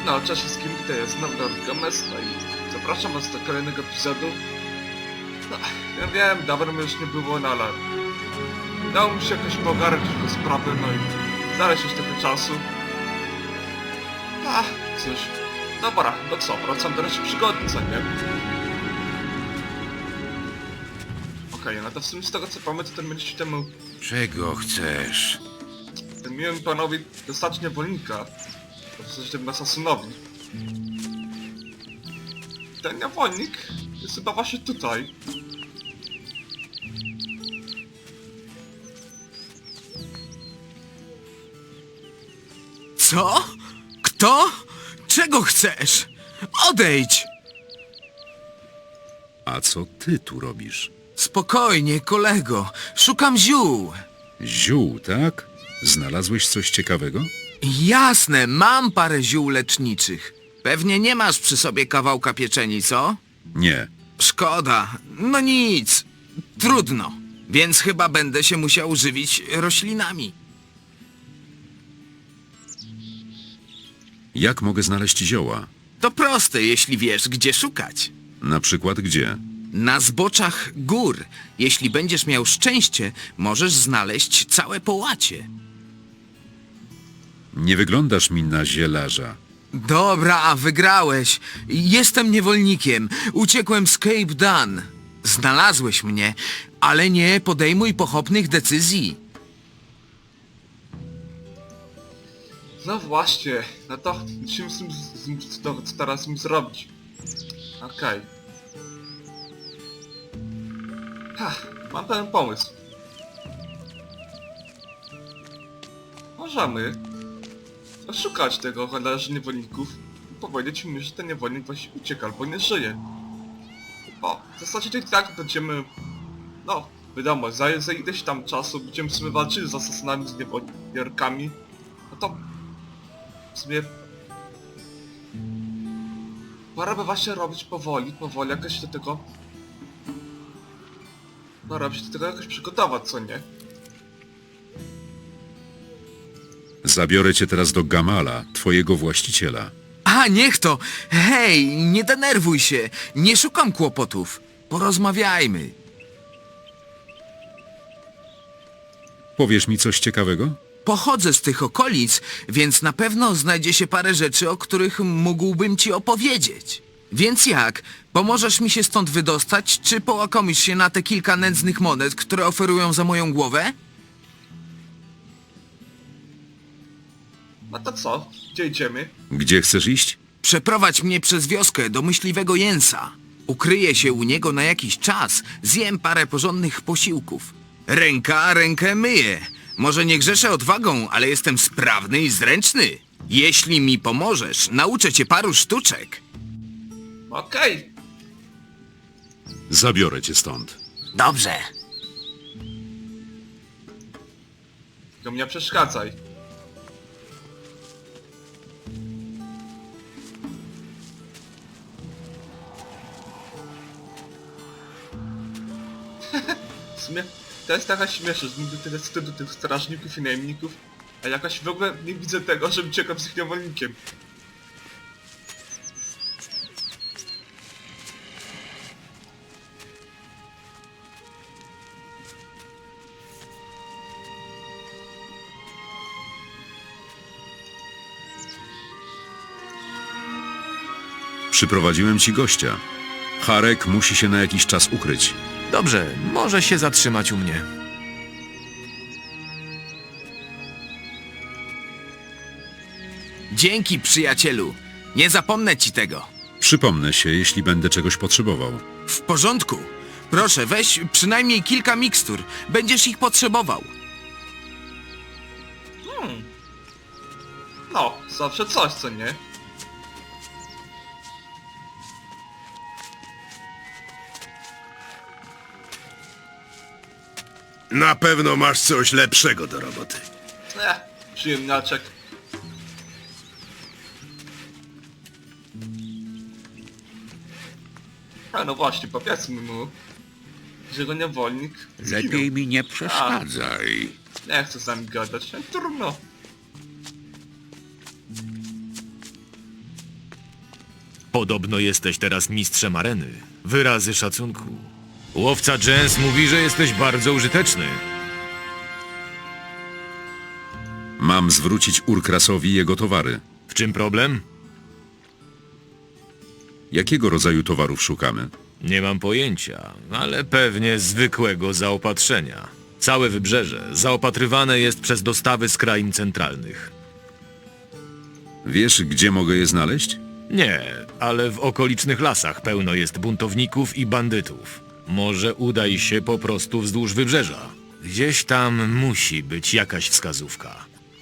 No, cześć wszystkim, tutaj jest znowu Games, no i zapraszam was do kolejnego epizodu. No, ja wiem, dawno mnie już nie było, no ale udało mi się jakoś pogarnąć tylko sprawy, no i znaleźć już trochę czasu. Cóż, dobra, no co, wracam do reszty przygody, co nie? Okej, no to w sumie z tego co pamiętam, to będziecie temu Czego chcesz? ten miłym panowi dostać niewolnika. W sensie temu asasynowi. Ten niewolnik jest chyba właśnie tutaj. Co? Kto? Czego chcesz? Odejdź! A co ty tu robisz? Spokojnie, kolego. Szukam ziół. Ziół, tak? Znalazłeś coś ciekawego? Jasne, mam parę ziół leczniczych. Pewnie nie masz przy sobie kawałka pieczeni, co? Nie. Szkoda. No nic. Trudno. Więc chyba będę się musiał żywić roślinami. Jak mogę znaleźć zioła? To proste, jeśli wiesz, gdzie szukać. Na przykład gdzie? Na zboczach gór. Jeśli będziesz miał szczęście, możesz znaleźć całe połacie. Nie wyglądasz mi na zielarza. Dobra, wygrałeś. Jestem niewolnikiem. Uciekłem z Cape Dan. Znalazłeś mnie, ale nie podejmuj pochopnych decyzji. No właśnie, no to musimy co teraz z nim zrobić. Okej. Mam pewien pomysł. Możemy szukać tego handlarzy niewolników i powiedzieć mu, że ten niewolnik właśnie ucieka albo nie żyje. Bo w zasadzie to i tak będziemy... No, wiadomo, za ileś tam czasu będziemy w sumie walczyli z asasynami, z niewolnikami. No to... W sumie... Pora by właśnie robić powoli jakoś do tego... Pora by się do tego jakoś przygotować, co nie? Zabiorę cię teraz do Gamala, twojego właściciela. A, niech to! Hej, nie denerwuj się. Nie szukam kłopotów. Porozmawiajmy. Powiesz mi coś ciekawego? Pochodzę z tych okolic, więc na pewno znajdzie się parę rzeczy, o których mógłbym ci opowiedzieć. Więc jak? Pomożesz mi się stąd wydostać, czy połakomisz się na te kilka nędznych monet, które oferują za moją głowę? No to co? Gdzie idziemy? Gdzie chcesz iść? Przeprowadź mnie przez wioskę do myśliwego Jensa. Ukryję się u niego na jakiś czas, zjem parę porządnych posiłków. Ręka rękę myje. Może nie grzeszę odwagą, ale jestem sprawny i zręczny. Jeśli mi pomożesz, nauczę cię paru sztuczek. Okej. Zabiorę cię stąd. Dobrze. To mnie przeszkadzaj. W sumie to jest taka śmieszna, że niby tyle wstydu tych strażników i najemników, a jakoś w ogóle nie widzę tego, żebym uciekał z ich niewolnikiem. Przyprowadziłem ci gościa. Harek musi się na jakiś czas ukryć. Dobrze, może się zatrzymać u mnie. Dzięki, przyjacielu. Nie zapomnę ci tego. Przypomnę się, jeśli będę czegoś potrzebował. W porządku. Proszę, weź przynajmniej kilka mikstur. Będziesz ich potrzebował. No, zawsze coś, co nie? Na pewno masz coś lepszego do roboty. Przyjemniaczek. A no właśnie, powiedzmy mu, że go niewolnik zginął. Lepiej mi nie przeszkadzaj. Nie chcę z nami gadać, trudno. Podobno jesteś teraz mistrzem areny. Wyrazy szacunku. Łowca Jens mówi, że jesteś bardzo użyteczny. Mam zwrócić Urkrasowi jego towary. W czym problem? Jakiego rodzaju towarów szukamy? Nie mam pojęcia, ale pewnie zwykłego zaopatrzenia. Całe wybrzeże zaopatrywane jest przez dostawy z krain centralnych. Wiesz, gdzie mogę je znaleźć? Nie, ale w okolicznych lasach pełno jest buntowników i bandytów. Może udaj się po prostu wzdłuż wybrzeża. Gdzieś tam musi być jakaś wskazówka.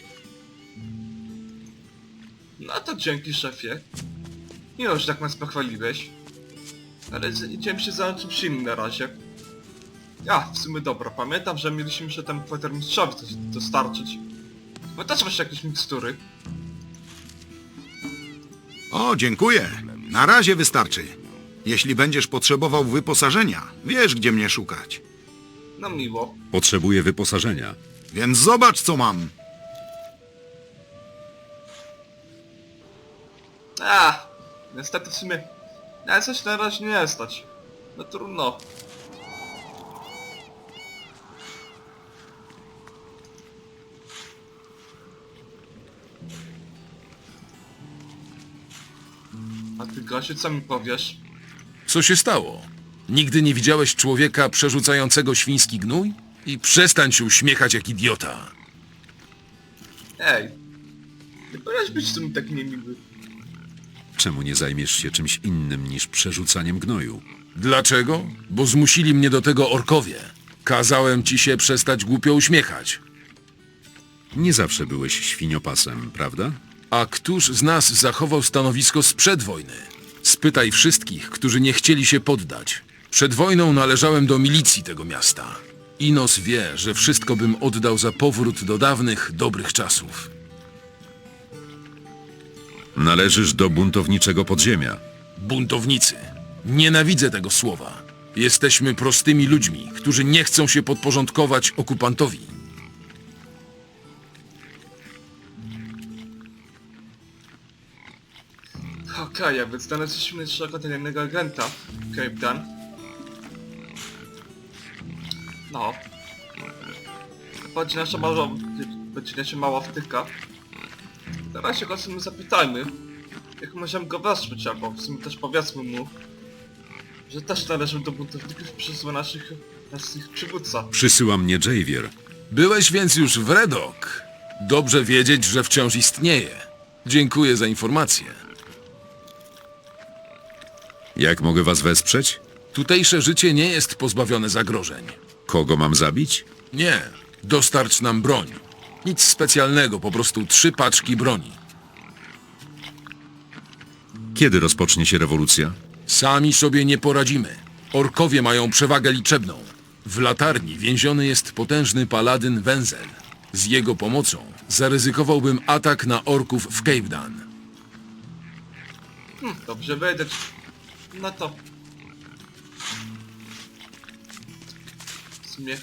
No to dzięki, szefie. Miło, że tak nas pochwaliłeś. Ale idziemy się za czymś innym na razie. W sumie dobra, pamiętam, że mieliśmy się tam kwatermistrzowi coś dostarczyć. Bo też masz jakieś mikstury. O, dziękuję. Na razie wystarczy. Jeśli będziesz potrzebował wyposażenia, wiesz, gdzie mnie szukać. No miło. Potrzebuję wyposażenia. Więc zobacz, co mam. Niestety w sumie... Ja coś na razie nie stać. No trudno. A ty, Gosiu, co mi powiesz? Co się stało? Nigdy nie widziałeś człowieka przerzucającego świński gnój? I przestań się uśmiechać jak idiota. Ej! Nie powinieneś być w sumie taki niemiły. Czemu nie zajmiesz się czymś innym niż przerzucaniem gnoju? Dlaczego? Bo zmusili mnie do tego orkowie. Kazałem ci się przestać głupio uśmiechać. Nie zawsze byłeś świniopasem, prawda? A któż z nas zachował stanowisko sprzed wojny? Spytaj wszystkich, którzy nie chcieli się poddać. Przed wojną należałem do milicji tego miasta. Inos wie, że wszystko bym oddał za powrót do dawnych, dobrych czasów. Należysz do buntowniczego podziemia. Buntownicy. Nienawidzę tego słowa. Jesteśmy prostymi ludźmi, którzy nie chcą się podporządkować okupantowi. Okej, a więc znaleźliśmy naszego tajemnego agenta, Cape Dan. No. Będzie nasza mała wtyka. Teraz się go w sumie zapytajmy, jak możemy go wesprzeć, albo w sumie też powiedzmy mu, że też należy do buntowników przysła naszych przywódca. Przysyła mnie Javier. Byłeś więc już w Redok. Dobrze wiedzieć, że wciąż istnieje. Dziękuję za informację. Jak mogę was wesprzeć? Tutejsze życie nie jest pozbawione zagrożeń. Kogo mam zabić? Nie, dostarcz nam broń. Nic specjalnego, po prostu 3 paczki broni. Kiedy rozpocznie się rewolucja? Sami sobie nie poradzimy. Orkowie mają przewagę liczebną. W latarni więziony jest potężny paladyn Wenzel. Z jego pomocą zaryzykowałbym atak na orków w Cape Dan. Dobrze wiedzieć. No to... W sumie...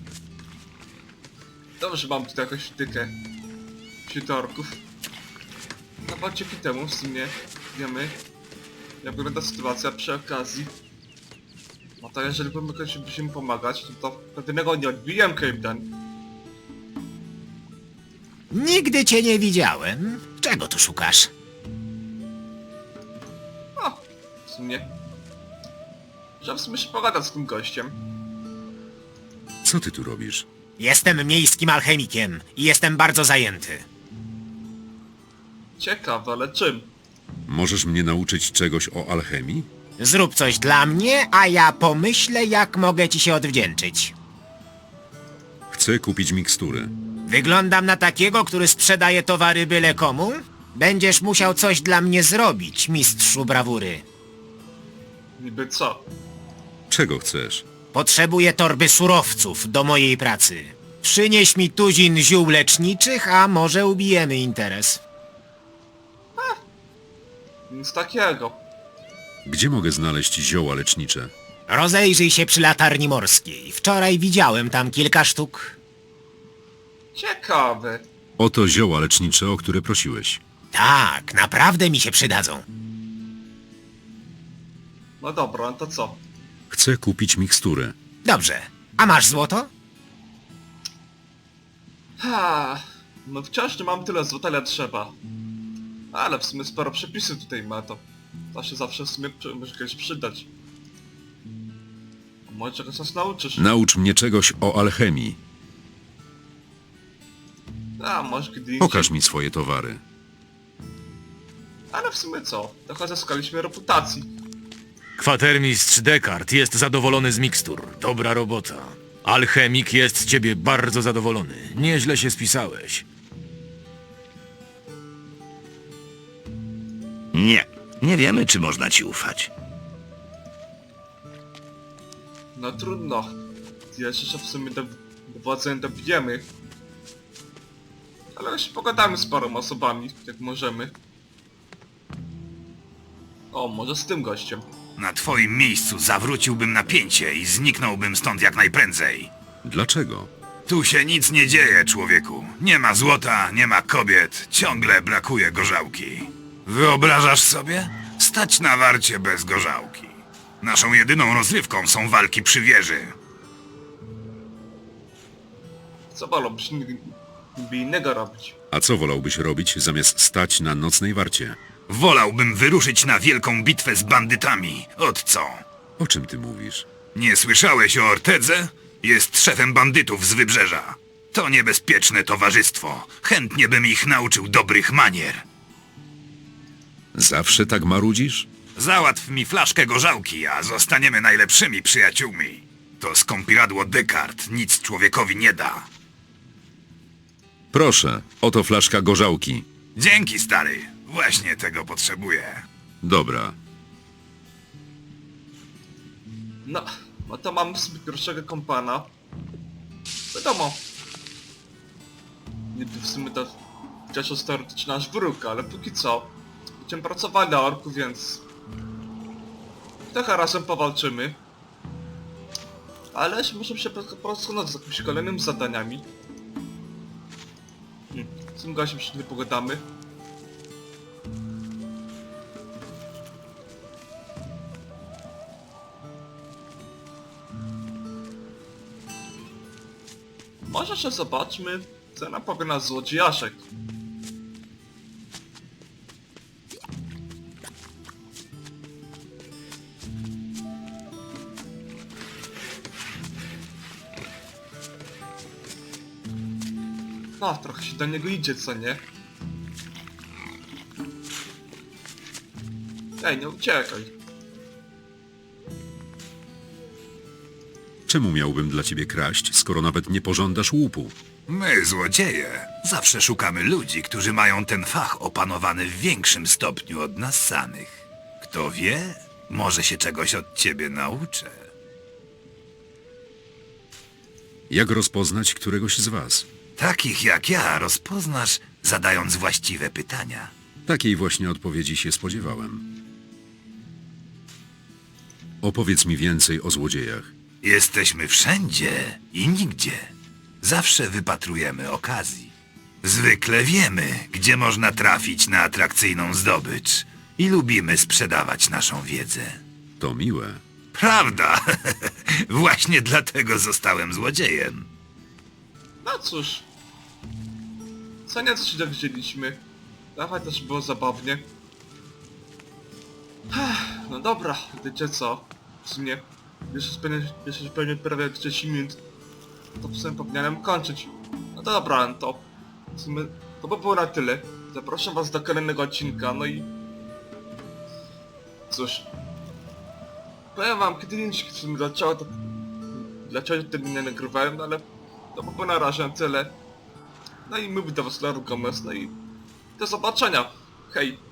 Dobrze, mam tutaj jakąś wtykę wśród orków. No bo dzięki temu w sumie wiemy, jak wygląda sytuacja przy okazji. No to jeżeli musimy pomagać, to pewnego nie odbiję Cape Dan. Nigdy cię nie widziałem. Czego tu szukasz? No, w sumie... Że w sumie się pogadać z tym gościem. Co ty tu robisz? Jestem miejskim alchemikiem i jestem bardzo zajęty. Ciekawe, ale czym? Możesz mnie nauczyć czegoś o alchemii? Zrób coś dla mnie, a ja pomyślę, jak mogę ci się odwdzięczyć. Chcę kupić mikstury. Wyglądam na takiego, który sprzedaje towary byle komu? Będziesz musiał coś dla mnie zrobić, mistrzu brawury. Niby co? Czego chcesz? Potrzebuję torby surowców do mojej pracy. Przynieś mi tuzin ziół leczniczych, a może ubijemy interes. Nic takiego. Gdzie mogę znaleźć zioła lecznicze? Rozejrzyj się przy latarni morskiej. Wczoraj widziałem tam kilka sztuk. Ciekawe. Oto zioła lecznicze, o które prosiłeś. Tak, naprawdę mi się przydadzą. No dobra, no to co? Chcę kupić miksturę. Dobrze. A masz złoto? No wciąż nie mam tyle złota, ile trzeba. Ale w sumie sporo przepisów tutaj ma to. To się zawsze w sumie może kiedyś przydać. A może czegoś nas nauczysz? Naucz mnie czegoś o alchemii. A może kiedy indziej. Pokaż mi swoje towary. Ale w sumie co? Trochę zyskaliśmy reputacji. Kwatermistrz Descartes jest zadowolony z mikstur. Dobra robota. Alchemik jest z ciebie bardzo zadowolony. Nieźle się spisałeś. Nie wiemy, czy można ci ufać. No trudno. Jeszcze się w sumie dowodzenia dobijemy. Ale jeszcze pogadamy z paroma osobami, jak możemy. O, może z tym gościem. Na twoim miejscu zawróciłbym napięcie i zniknąłbym stąd jak najprędzej. Dlaczego? Tu się nic nie dzieje, człowieku. Nie ma złota, nie ma kobiet, ciągle brakuje gorzałki. Wyobrażasz sobie? Stać na warcie bez gorzałki. Naszą jedyną rozrywką są walki przy wieży. Co wolałbyś niby innego robić? A co wolałbyś robić, zamiast stać na nocnej warcie? Wolałbym wyruszyć na wielką bitwę z bandytami. Od co? O czym ty mówisz? Nie słyszałeś o Ortedze? Jest szefem bandytów z Wybrzeża. To niebezpieczne towarzystwo. Chętnie bym ich nauczył dobrych manier. Zawsze tak marudzisz? Załatw mi flaszkę gorzałki, a zostaniemy najlepszymi przyjaciółmi. To skąpiradło Descartes nic człowiekowi nie da. Proszę, oto flaszka gorzałki. Dzięki, stary. Właśnie tego potrzebuję. Dobra. No to mamy sobie pierwszego kompana. Wiadomo. Niby w sumie to chociaż teoretycznie nasz wróg, ale póki co będziemy pracowali na orku, więc trochę razem powalczymy. Ale możemy się porozglądać z jakimiś kolejnymi zadaniami. Z tym gościem się nie pogadamy. Może jeszcze zobaczmy, co nam powie nasz złodziejaszek. No, trochę się do niego idzie, co nie? Ej, nie uciekaj. Czemu miałbym dla ciebie kraść, skoro nawet nie pożądasz łupu? My, złodzieje, zawsze szukamy ludzi, którzy mają ten fach opanowany w większym stopniu od nas samych. Kto wie, może się czegoś od ciebie nauczę. Jak rozpoznać któregoś z was? Takich jak ja rozpoznasz, zadając właściwe pytania. Takiej właśnie odpowiedzi się spodziewałem. Opowiedz mi więcej o złodziejach. Jesteśmy wszędzie i nigdzie. Zawsze wypatrujemy okazji. Zwykle wiemy, gdzie można trafić na atrakcyjną zdobycz i lubimy sprzedawać naszą wiedzę. To miłe. Prawda? Właśnie dlatego zostałem złodziejem. No cóż. Co nieco się dowiedzieliśmy. Dawaj też było zabawnie. No dobra, wiecie co? W sumie jeszcze pewnie prawie 30 minut. To w sumie powinienem kończyć. No to dobra, no to w sumie to by było na tyle. Zapraszam was do kolejnego odcinka, no i... Cóż. Powiem wam kiedy indziej w sumie dlaczego tego nie nagrywałem, no ale to by było na razie na tyle. No i mówię do was Laru Gomez, no i do zobaczenia. Hej!